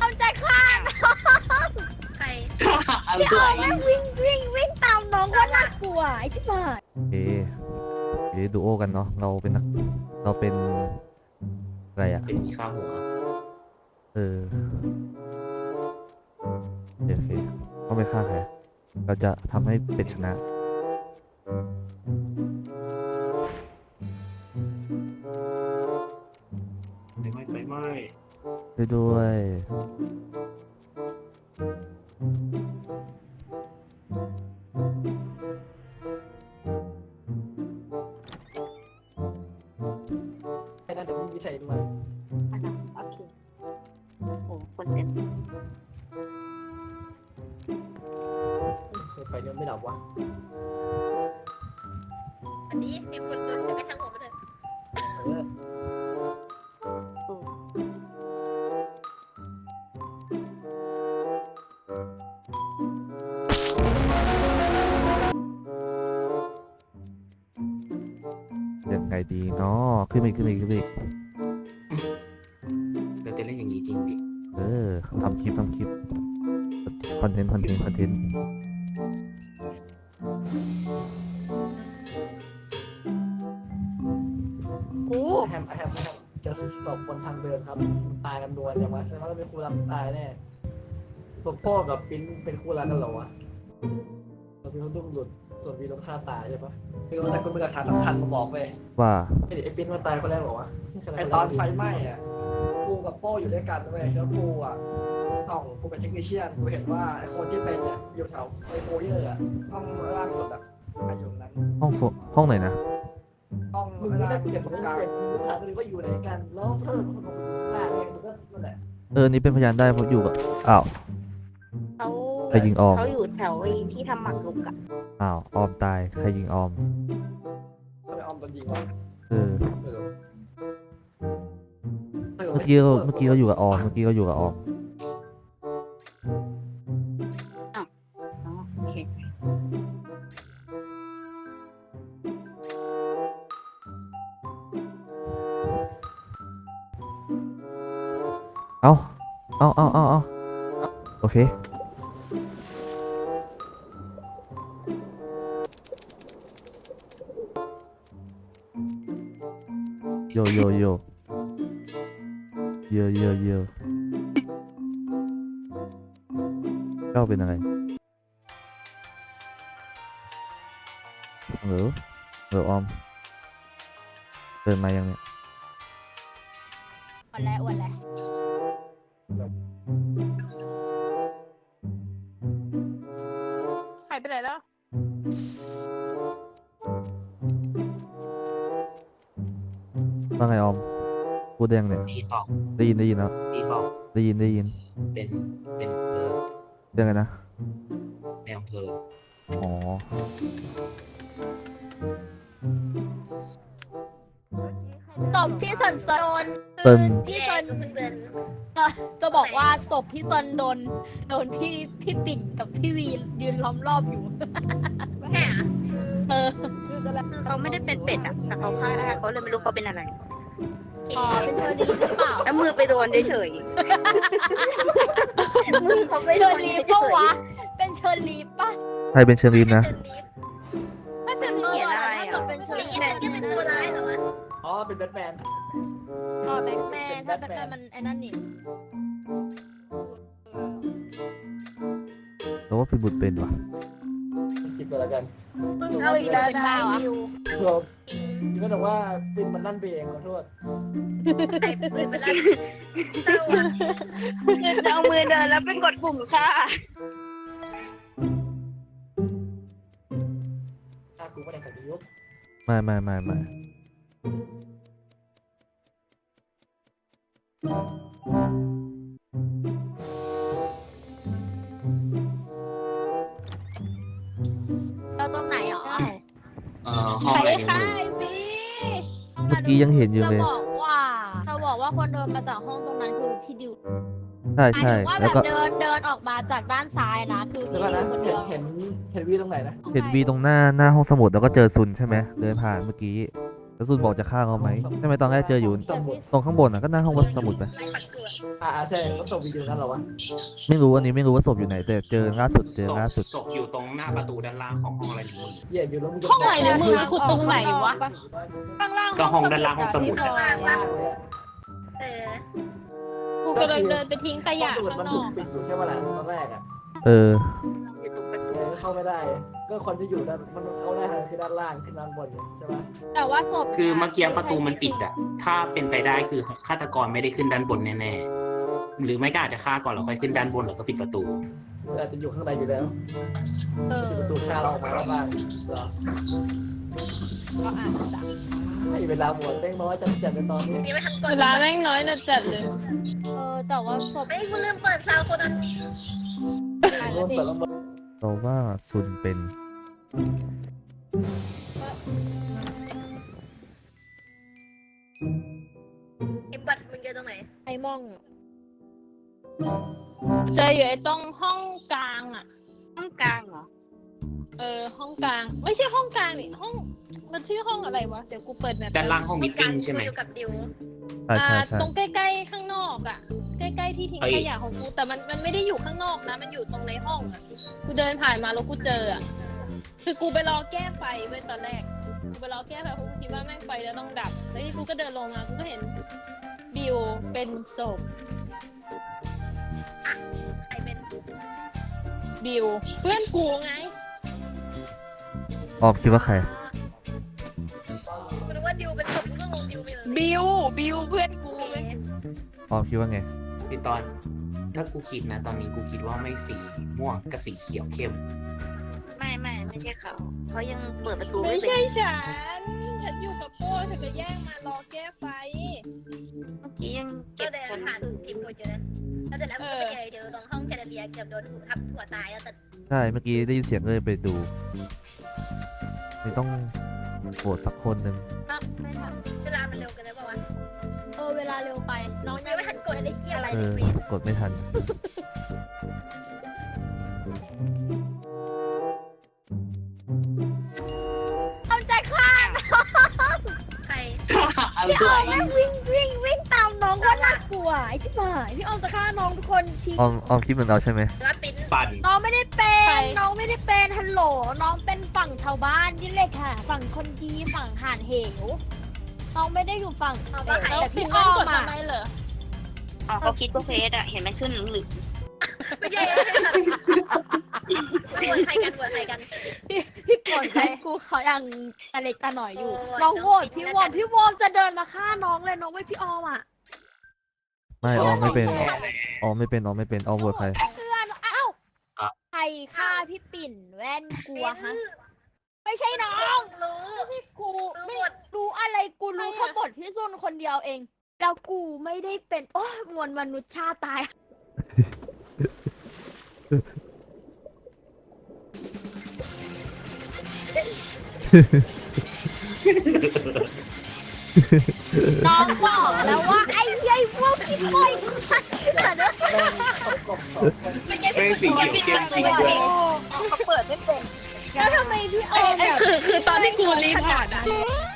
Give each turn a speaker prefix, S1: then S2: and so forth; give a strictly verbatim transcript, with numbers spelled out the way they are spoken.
S1: อมใจฆ่าใครพี่ออมแม่งวิ่งวิ่งวิ่งตามน้องว่าน่ากลัวไอ้ชิบหาย
S2: โอเคโอเคดูโอกันเนาะเราเป็นนักเราเป็นอะไรอ่ะ
S3: เป็นมีข้าวหัว
S2: เออโอเคโอเคต้องไปฆ่าใครเราจะทำให้เป็ดชนะ
S3: ไฟไหม้ไฟไหม้
S2: ไปด้วย
S4: ไอ้นั่นเดี๋ยวมึงมีใส่ด้วย
S1: อ่ะนะโอเคโอ้คนเต็ม
S4: ไฟยังไม่ดับวะ
S1: อันนี้มีคนโดนจะไม่ช่างหัวไปเลย
S4: เออ
S2: ยังไงดีเนาะขึ้นไปอีกขึ้นไปอีกขึ้นไปอีก
S3: เราจะเล่นอย่างนี้จริงดิ
S2: เออทำคลิปทำคลิปคอนเทนต์คอนเทนต์คอนเทนต์
S1: โอ้
S4: แฮมแฮมแฮมเจอศพบนทางเดินครับตายกันดวนอย่างวะแสดงว่าต้องเป็นคู่รักตายแน่ตัวพ่อกับปิ้นเป็นคู่รักกันเหรอวะเราเป็นคนดุ้งหลุดส่วนวีต้องฆ่าตายใช่ปะคือมันแต่คนเป็นหลักฐานสำคัญมาบอกเลย
S2: ว่า
S4: ไอ้ปิ้นมาตายคนแรกเหรอวะไอ้ตอนไฟไหม้อ่ะกูกับโป้อยู่ด้วยกันเว้ยแล้วกูอ่ะส่องกูเป็นเทคนิชเชียนกูเห็นว่าไอ้คนที่เป็นเนี่ยอยู่แถวไอโฟเยอร์อ่ะห้องล่างสุดอ่ะอยู่ตรงนั้น
S2: ห้องโซห้องไหนนะ
S4: ห้องมึงไม่ได้เก็บของกลางมึงถามเลยว่าอยู่ไหนกันแล้วเพิ่มมันก็หน้าเองมึงก็นั่นแหละ
S2: เออนี่เป็นพยานได้เพราะอยู่กับอ้าว
S1: เขา
S2: ใครยิงออม
S1: เขาอยู่แถวไอ้ที่ทำหมักลุกอะ
S2: อ้าวออมตายใครยิงออม
S4: ก็ไปออมตอนยิงวะ
S2: เออ
S4: เออ
S2: เมื่อกี้เราเมื่อกี้เราอยู่กับออมเมื่อกี้เราอยู่กับออม
S1: อ๋อโอเค
S2: เอาเอาเอาเอาเอาโอเคโยโยโยโยโยโยเจ้าเป็นอะไรเหรอเหรอออมเดินมายังเนี่ย
S1: วันแล้ววันแล้วหายไปไหนแล้ว
S2: ว่าไงออมพูดได้ยังเนี่ย
S3: ดีบอก
S2: ได้ยินได้ยินแล้ว
S3: ดีบอก
S2: ได้ยินได้ยิน
S3: เป็นเป็นอำเภอ
S2: เรื่องไงนะ
S3: ในอำเภอ
S2: อ๋อ
S5: ศพพี่ซนโดน
S2: เติ้ล
S5: พี่ซน
S1: เพิ่งเดิน
S5: จะบอกว่าศพพี่ซนโดนโดนพี่พี่ปิ่นกับพี่วียืนล้อมรอบอยู่
S1: แหม
S5: เออ
S1: คือเขาไม่ได้เป็นเป็ดอะแต่เขาฆ่าได้เขาเลยไม่รู้เขาเป็นอะไร
S5: อ๋อเป็นเชอรี่หรือเปล่า
S1: แล้วมือไปโดนเฉยๆมือเขาไป
S5: เช
S1: โด
S5: อน รี่
S1: เฉ
S5: ปะ
S1: ยว
S5: ะเป็นเชอรี่ปะ
S2: ใครเป็นเชอรีนนะ
S1: ถ้าฉันเขียนอะไร
S5: ถ้า
S1: อ่ะ
S5: เกิดเป็นเชอ
S1: นี่
S5: รี่
S1: นั่นก็เป็นตัวร้ายเหรอวะ
S4: อ๋อเป็นแบทแมน
S5: อ๋อแบทแมนถ้าแบทแมนมันไอ้นั่นนี่
S2: แต่ว่าพี่บุตรเป็นวะ
S4: คิดไปแล้วกัน
S5: เอาอีกแล้วนะ
S4: เราพี่ก็บอกว่าปินมันนั่นไปเองขอโทษ
S1: ใส่ปืนไปแล้วเอามือเดินแล้วเป็นกดปุ่มค่ะ
S4: ถ้ากูไม่ได้กับยุค
S2: ไม่ไม่ไม่ไม่
S5: เราตรงไหนหรอ
S3: เอ่อห้องอะไรกันอยู่
S5: บี
S2: เมื่อกี้ยังเห็นอยู่
S5: จะ
S2: เลย
S5: บอกว่าจะบอกว่าคนเดินมาจากห้องตรงนั้นคือพี่ดิว
S2: ใช่
S5: หมาย
S2: ใช่
S5: ถึงว่าแบ
S2: แล้ว
S5: บ
S2: ก็
S5: เดินเดินออกมาจากด้านซ้ายนะคือ
S4: เดี๋ยว
S5: พี่
S4: ก่อน
S5: ดิ
S4: นะ
S5: วคน
S4: เห็
S5: เดี
S4: น
S5: ยว
S4: เห็นเห็นวีตรงไหนนะ
S2: เห็นวีตรงหน้าหน้าห้องสมุดแล้วก็เจอซุนใช่ไหมเดินผ่านเมื่อกี้แล้วซุนบอกจะฆ่าเขาไหมใช่ไหมตอนแรกเจออยู่
S4: สมุด
S2: ตรงข้างบนอ่ะก็หน้าห้องวัดสมุดนะ
S1: ไล่ฝักเสือ
S4: อ่าใช่ก็ส่งวิดีโอกันเหรอวะ
S2: ไม่รู้อันนี้ไม่รู้ว่าศพอยู่ไหน แต่เจอล่าสุดเจอ
S3: ศพ
S2: ล่าสุด
S3: ศพอยู่ตรงหน้าประตูด้านล่างของห้องอะไรหนึ่งมึง
S4: เหี้ยอยู่แล้วมึงจะ
S5: ห้องไหนเนี่ยมึงขุดตรงไหนวะ
S1: ข้างล่าง
S3: ก็ห้องด้านล่างห้องสมุด
S1: ข้างล่างปะเออ
S5: กูกำลังเดินไปทิ้งขยะ
S4: ห้องสมุด
S5: ข้าง
S4: มัน
S5: น
S4: ถู
S5: อก ก
S4: ปิดอยู่ใช่ไหมล่ะตอนแรกอ่ะ
S2: เออ
S4: เลยเข้าไม่ได้ ก็คนที่อยู่ด้านมันเข้าได้ทางคือด้านล่างขึ้นด้านบนใช่ไหม
S5: แต่ว่าศพ
S3: คือเมื่อกี้ประตูมันปิดอะถ้าเป็นไปได้คือฆาตกรไม่ได้ขึ้นด้านบนแน่ๆหรือไม่ก็อาจจะฆ่าก่อนแล้วค่อยขึ้นด้านบนแล้วก็ปิดประตู
S4: อาจจะอยู่ข้างในอยู่แล้ว
S5: เออ
S4: ปิดประตูฆ่าเราออกมาแล้วบ้างเหรอ
S5: ก็อาจจะ
S4: ให้เวลาหมดแม่งน้อยจัดจัดในตอนนี้
S1: ยังไม่ทันกด
S5: เวลาแม่งน้อยนะจัดเลย เออแต่ว่าศพ
S1: เฮ้ยกูลืมเปิดซาวด์คนนั้น
S5: หาย
S4: เริ่
S5: แล้ว
S4: ม
S5: ดิ
S4: เปิดแล้วหมด
S2: เราว่าซุนเป็น
S1: เอ็มบัตมึงเจอตรงไหน
S5: ไอ้ม่องเจออยู่ไอ้ตรงห้องกลางอ่ะ
S6: ห้องกลางเหรอ
S5: เออห้องกลาง ไม่ใช่ห้องกลางนี่ห้องมันชื่อห้องอะไรวะเดี๋ยวกูเปิดแมป
S3: ด้านล่างห้องมิทติ้งใช่ไหม
S1: กูอยู่กับดิว
S2: ใช่ใช่
S5: อ่า
S2: ใช่
S5: ตรงใกล้ๆข้างนอกอ่ะ ใกล้ๆที่ทิ้ง
S3: เอ้ย
S5: ขยะของกูแต่มันมันไม่ได้อยู่ข้างนอกนะ มันอยู่ตรงในห้องอ่ะกูเดินผ่านมาแล้วกูเจออ่ะคือกูไปรอแก้ไฟเว้ยตอนแรกกูไปรอแก้ไฟเพราะกูคิดว่าแม่งไฟจะต้องดับแล้วที่กูก็เดินลงมากูก็เห็นบิวเป็นศพ
S1: ใครเป็น
S5: บิวเพื่อนกูไง
S2: ออมคิดว่าใคร
S1: กูรู้ว่าดิวเป็นศพกูก็งงดิวไปเลย
S6: บิว บิวเพื่อนกู
S1: โอเค
S2: ออมคิดว่าไง
S3: พี่ตอน ถ้ากูคิดนะ ตอนนี้กูคิดว่าไม่สีม่วงกับสีเขียวเข้ม
S6: ไม่ไม่ไม่ใช่เขาเขายังเปิดประตู
S5: ไม่
S6: ไม่เป็
S5: ใช่
S6: น
S5: ฉัน ฉันอยู่กับโป้เธอก็แย่งมารอแก้ไฟ
S6: เมื่อกี้ยัง
S1: ก็
S6: เก็บ
S1: เดิน
S6: ชั้น
S1: ผ่าน
S6: สื่อ
S1: ทีมกูเจอแล้วเสร็จแล้วกูก็ไปเจอเจอตรงห้องแคนาเดียเกือบโดนทับหัวตายแล้วแต่
S2: ใช่ เมื่อกี้ได้ยินเสียงเลยไปดูนี่ต้องโหวตสักคนหนึ่ง
S5: อ่ะไม่ทัน
S1: เวลามันเร็วเกันเลยป่าวะ
S5: เออเวลาเร็วไป น้อง
S1: ยังไม่ทันกดอะไรเฮียอะไร
S2: เอ
S1: เลย
S2: อ
S1: เว้ย
S2: กดไม่ทัน
S1: เอาใจฆ่าใคร
S3: อะไร
S1: พี่ออมแม่งวิ่งวิ่งวิ่งตามน้องว่าน่ากลัวไอ้ที่บ่ายพี่ออมจะฆ่าน้องทุกคนที
S2: ออมออมคิดเหมือนเราใช่ไหม
S1: แล้วปิ้น
S3: ปั่น
S5: น้องไม่ได้เป็น น้องไม่ได้เป็น ฮัลโหล น้องเป็นฝั่งชาวบ้านนี่เลยค่ะ ฝั่งคนดีฝั่งห่านเหว น้องไม่ได้อยู่ฝั่ง
S1: เอาว่าใคร
S5: แต่
S1: แต่
S5: พี่
S1: พี่
S5: อ้
S1: อ้
S5: อ
S1: อ
S5: ม
S1: ม
S5: อ่ะ
S1: อ่ะ
S5: ทำไมเหรอ
S6: อ๋อเขาคิดว่าเฟสอะเห็นมันขึ้นเหลือง
S1: ไม่ใช่ไม่ใช่ไม่วนใครกันวนใครกัน
S5: พี่พี่ปวดใจกูเขายังตะเล็กตะหน่อยอยู่
S1: โอ้ย
S5: น้องโหวต
S1: น้อง
S5: พี่
S1: ปิด
S5: วอม
S1: แล้วกัน
S5: พี่วอมจะเดินมาฆ่าน้องเลยน้องไม่พี่ออมอ่ะ
S2: ไม่ออมไม่เป็น ออมไม่เป็น ออมไม่เป็น ออมโหวตใคร
S5: เพื่อนเอ้าใครฆ่าพี่ปิ่นแว่นกลัวฮะ ไม่ใช่น้อง
S1: รู้
S5: ไม่ใช่กู
S1: รู้
S5: ไม่
S1: หมด
S5: รู้อะไรกูรู้แค่บทพี่ซุนคนเดียวเอง แล้วกูไม่ได้เป็นโอ้ยมวลมนุษย์ชาติตาย น้องบอกแล้วว่าไอ้ไอ้พวกพี่คอยกูชัดเชื่อนะ
S4: แม่งประกบสองคน
S1: ไม่ใช่
S3: ไม่สี
S6: ๆ
S3: เขียวเข้มจริงด้วย
S6: เขาเปิดไม่เป็น
S5: แล้วทำไมพี่ออมแบบ
S6: คือคือตอนที่กูรีพอร์ตอะ
S5: เ